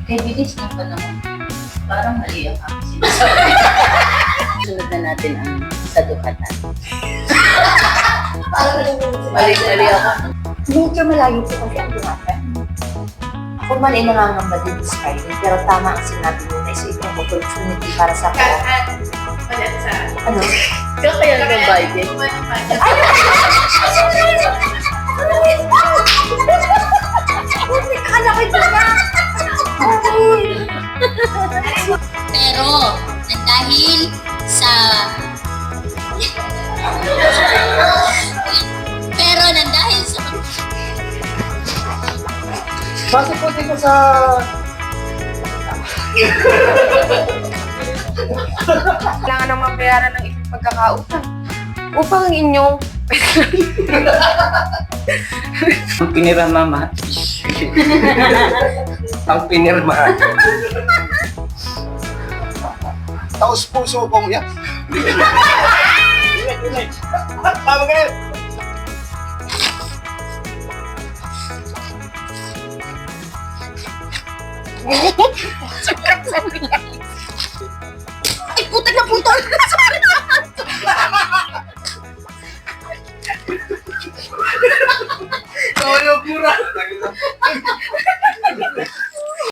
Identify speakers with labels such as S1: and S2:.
S1: Kay bilis ng panahon. Parang mali ang aking sinasabi. Sunod na natin ang sa Dukatan. Mali ako.
S2: Medyo malayo po kasi ang Dukatan. Ako man ay nangangamba din sa Skyline, pero tama ang sinabi mo na isa itong opportunity para sa ako. Ano?
S1: Kaya kaya nag-budget.
S2: Akala ko ito na!
S3: Pero, dahil sa... Pero, dahil sa...
S4: Base po dito sa...
S2: Kailangan nang mabayaran ng isang pagkakautang upang ang inyong
S4: Ang pinira mama. Ang pinirma.
S5: Taos puso kong yan. Tama ka rin.
S2: ay puta na putol!